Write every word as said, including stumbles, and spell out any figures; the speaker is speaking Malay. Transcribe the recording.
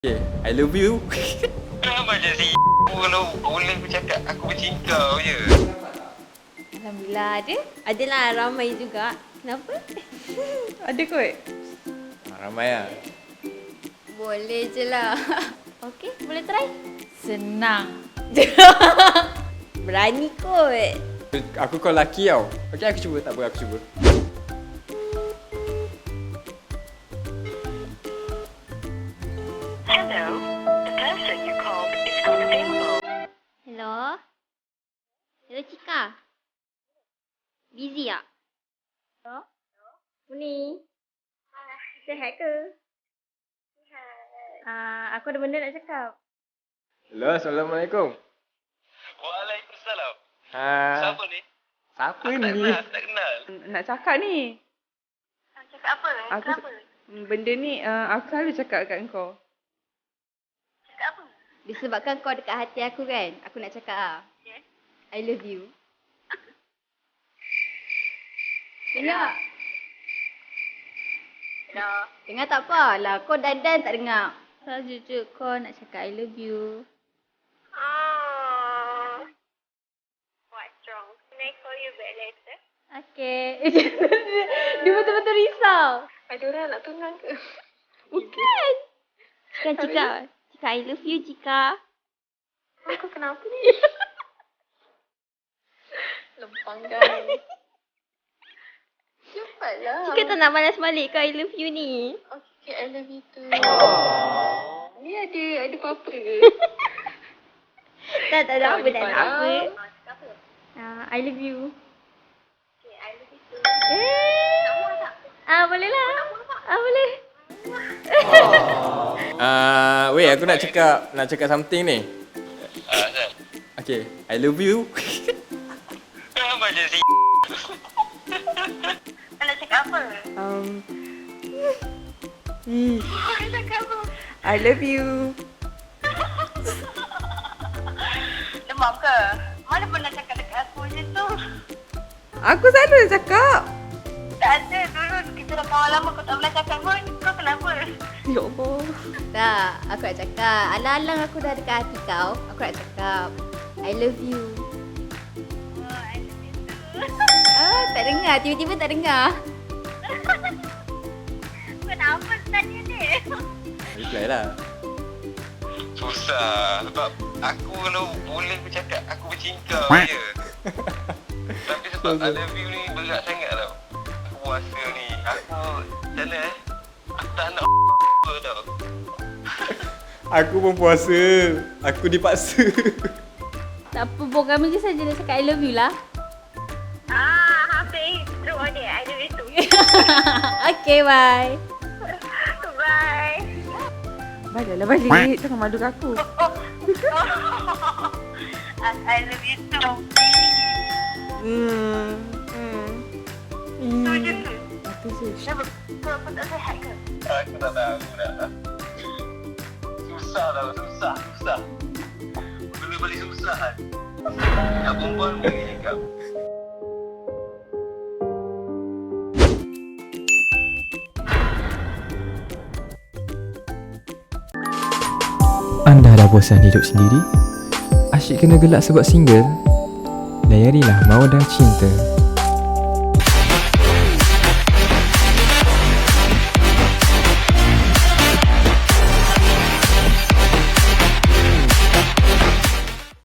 Okay, I love you. Kenapa je si kalau boleh bercakap aku bercinta je. Alhamdulillah ada. Adalah ramai juga. Kenapa? Ada kot. Ramai lah. Boleh je lah. Okey, boleh try? Senang. Berani kot. Aku call lelaki tau. Okay, aku cuba. Tak apa, aku cuba. Hello, the person you called is unavailable. Hello? Hello, Cika. Busy tak? Hello? Ni. Sihat ke? Sihat. Uh, aku ada benda nak cakap. Hello, Assalamualaikum. Waalaikumsalam. Ha. Siapa ni? Siapa Aku tak ni? kenal, tak kenal. Nak cakap ni. Nak cakap apa? Aku Kenapa? Hmm, Benda ni uh, aku selalu cakap kat kau. Cakap apa? Disebabkan kau dekat hati aku kan, aku nak cakap ah. Okay. I love you. Dengar? Hello. Dengar tak apa lah. Kau dandan tak dengar. Saja je kau nak cakap I love you. Oh. What's wrong? Can I call you back later? Okay. Dia betul-betul risau. Ada orang nak tunang ke? Bukan. Kan Cika. Cika I love you Cika. Aku kenapa ni? Lempang kan. Cepatlah. Cika tak nak balas balik ke I love you ni. Okay, I love you too. Ni ada, ada apa-apa ke? Tak, tak ada apa, tak ada apa. Ah, cakap apa? Uh, I love you. Okay, I love you too. Eh. Nama tak? Ah, boleh lah. Ah, boleh. Ah, weh, aku nak cakap nak cakap something ni. Ah, Azal. Okay, I love you. Kenapa je si Kau nak cakap apa? Um, hmm, Kau nak cakap apa? I love you. Demam ke? Mana pernah cakap dekat aku macam tu? Aku selalu cakap. Tak ada. Dulu kita dah kawan lama kau tak pernah cakap pun. Kau kenapa? Ya Allah. Tak, aku nak cakap. Alang-alang aku dah dekat hati kau. Aku nak cakap. I love you. Oh, I love you too. Ah, tak dengar. Tiba-tiba tak dengar. Kenapa tanya ni? Reply lah. susah sebab aku kalau boleh bercakap aku bercinta je. Tapi sebab I love you ni berat sangat tau. Aku puasa ni. Aku macam mana eh? Aku tak nak tau. Aku pun puasa. Aku dipaksa. Tak apa, Bo. Kami je saja nak cakap I love you lah. Ah, Hafiz. Terus ni. I love you too. Okay, bye. Bye. Baliklah balik. Jangan malu kat aku. Oh. I I love you too. Hmm. Hmm. Tu je ke? Apa sih? Kenapa? Kau kau tak sihat ke? Aku tak tahu dah. Susah tau, susah, susah. Benda balik susah kan. Nak perempuan boleh cakap. Anda dah bosan hidup sendiri? Asyik kena gelak sebab single? Layarilah Mawadah Cinta.